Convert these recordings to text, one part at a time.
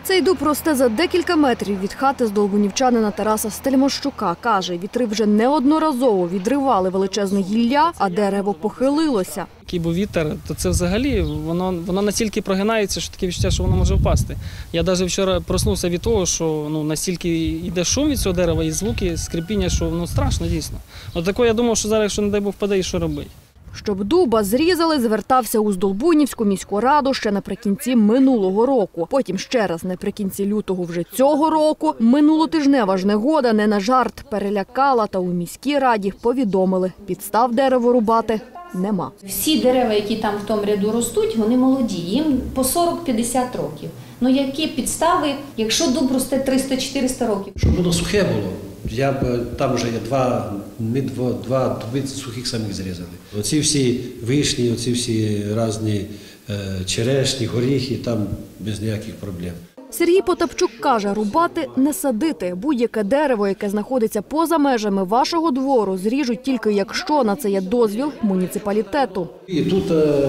Цей дуб росте за декілька метрів від хати здолбунівчанина Тараса Стельмощука. Каже, вітри вже неодноразово відривали величезне гілля, а дерево похилилося. Який був вітер, то це взагалі, воно настільки прогинається, що таке відчуття, що воно може впасти. Я навіть вчора проснувся від того, що настільки йде шум від цього дерева і звуки, скрипіння, що страшно дійсно. От такого я думав, що зараз, якщо, не дай Бог, впаде, і що робити. Щоб дуба зрізали, звертався у Здолбунівську міську раду ще наприкінці минулого року. Потім ще раз наприкінці лютого вже цього року. Минулотижнева ж негода не на жарт перелякала, та у міській раді повідомили, підстав дерево рубати нема. Всі дерева, які там в тому ряду ростуть, вони молоді, їм по 40-50 років. Які підстави, якщо дуб росте 300-400 років? Щоб воно сухе було. Там вже є два дуби сухих самих зрізали. Оці всі вишні, оці всі різні черешні, горіхи, там без ніяких проблем. Сергій Потапчук каже, рубати не садити. Будь-яке дерево, яке знаходиться поза межами вашого двору, зріжуть тільки якщо на це є дозвіл муніципалітету. І тут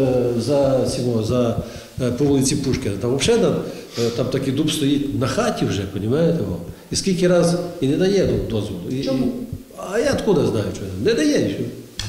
по вулиці Пушкіна, там взагалі там такий дуб стоїть на хаті вже, розумієте? І скільки разів і не дає дозволу. Чому? А я откуда знаю, що не дає нічого.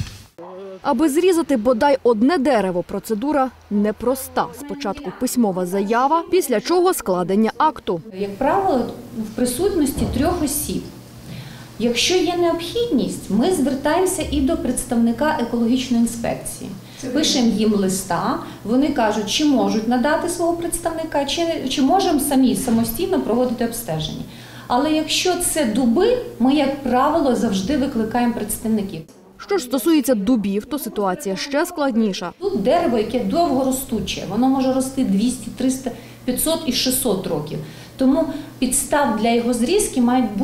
Аби зрізати бодай одне дерево, процедура непроста. Спочатку письмова заява, після чого складення акту. Як правило, в присутності 3 осіб. Якщо є необхідність, ми звертаємося і до представника екологічної інспекції. Пишемо їм листа, вони кажуть, чи можуть надати свого представника, чи можемо самостійно проводити обстеження. Але якщо це дуби, ми, як правило, завжди викликаємо представників. Що ж стосується дубів, то ситуація ще складніша. Тут дерево, яке довгоростуче, воно може рости 200, 300, 500 і 600 років. Тому підстави для його зрізки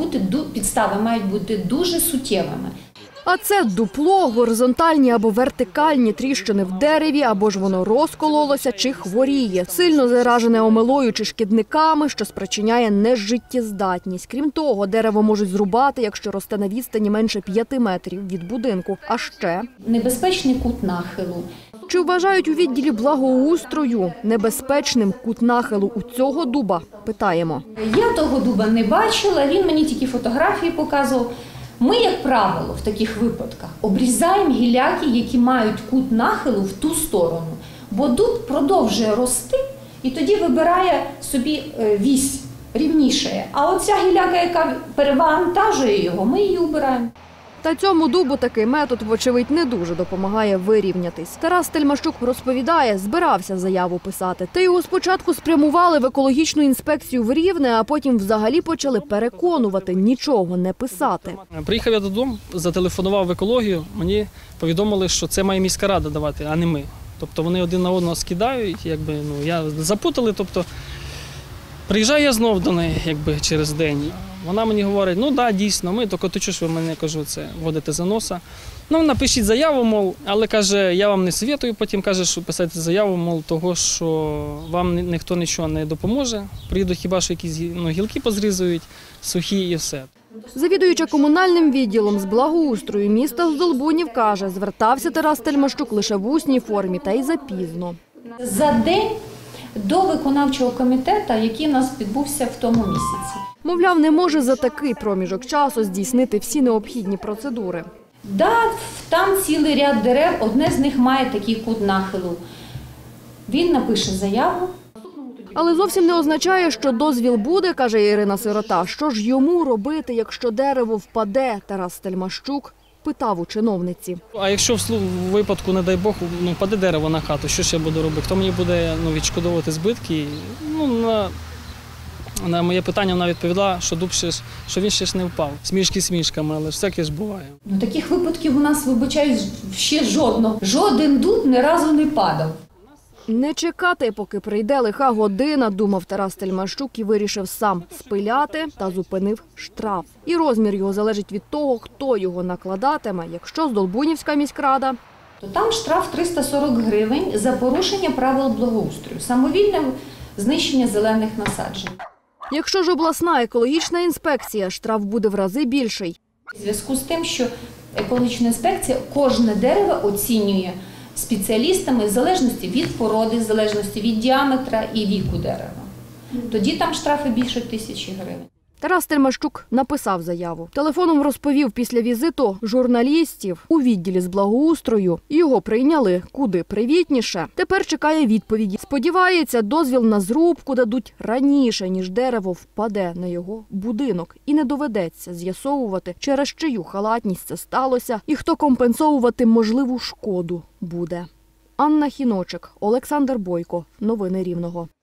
мають бути дуже суттєвими. А це дупло, горизонтальні або вертикальні тріщини в дереві, або ж воно розкололося чи хворіє. Сильно заражене омелою чи шкідниками, що спричиняє нежиттєздатність. Крім того, дерево можуть зрубати, якщо росте на відстані менше 5 метрів від будинку. А ще небезпечний кут нахилу. Чи вважають у відділі благоустрою небезпечним кут нахилу у цього дуба? Питаємо. Я того дуба не бачила, він мені тільки фотографії показував. Ми, як правило, в таких випадках обрізаємо гіляки, які мають кут нахилу в ту сторону. Бо дуб продовжує рости і тоді вибирає собі вісь рівніше. А оця гіляка, яка перевантажує його, ми її убираємо. Та цьому дубу такий метод, вочевидь, не дуже допомагає вирівнятись. Тарас Стельмощук розповідає, збирався заяву писати. Та його спочатку спрямували в екологічну інспекцію в Рівне, а потім взагалі почали переконувати нічого не писати. Приїхав я додому, зателефонував в екологію, мені повідомили, що це має міська рада давати, а не ми. Тобто вони один на одного скидають, я запутали, приїжджаю я знов до неї, через день. Вона мені говорить, дійсно, ми, тільки ти чого ж ви мене, кажу, це вводите за носа. Напишіть заяву, мов, але, каже, я вам не советую, потім каже, що писати заяву, мов, того, що вам ніхто нічого не допоможе. Приїдуть хіба що якісь гілки позрізують, сухі і все. Завідуюча комунальним відділом з благоустрою міста Здолбунів каже, звертався Тарас Стельмощук лише в усній формі, та й запізно. За день до виконавчого комітету, який у нас відбувся в тому місяці. Мовляв, не може за такий проміжок часу здійснити всі необхідні процедури. Там цілий ряд дерев, одне з них має такий кут нахилу. Він напише заяву. Але зовсім не означає, що дозвіл буде, каже Ірина Сирота. Що ж йому робити, якщо дерево впаде, Тарас Стельмощук питав у чиновниці. А якщо в випадку, не дай Бог, впаде дерево на хату, що ж я буду робити? Хто мені буде відшкодовувати збитки? На моє питання вона відповіла, що дуб що він ще ж не впав. Смішки смішками, але всяке ж буває. Таких випадків у нас, вибачаюсь, ще жодного. Жоден дуб ні разу не падав. Не чекати, поки прийде лиха година, думав Тарас Стельмощук і вирішив сам спиляти та зупинив штраф. І розмір його залежить від того, хто його накладатиме. Якщо Здолбунівська міськрада, то там штраф 340 гривень за порушення правил благоустрою, самовільне знищення зелених насаджень. Якщо ж обласна екологічна інспекція, штраф буде в рази більший. У зв'язку з тим, що екологічна інспекція кожне дерево оцінює спеціалістами в залежності від породи, в залежності від діаметра і віку дерева. Тоді там штрафи більше 1000 гривень. Тарас Тельмащук написав заяву. Телефоном розповів після візиту журналістів у відділі з благоустрою. Його прийняли куди привітніше. Тепер чекає відповіді. Сподівається, дозвіл на зрубку дадуть раніше, ніж дерево впаде на його будинок. І не доведеться з'ясовувати, через чию халатність це сталося і хто компенсовувати можливу шкоду буде. Анна Хіночик, Олександр Бойко. Новини Рівного.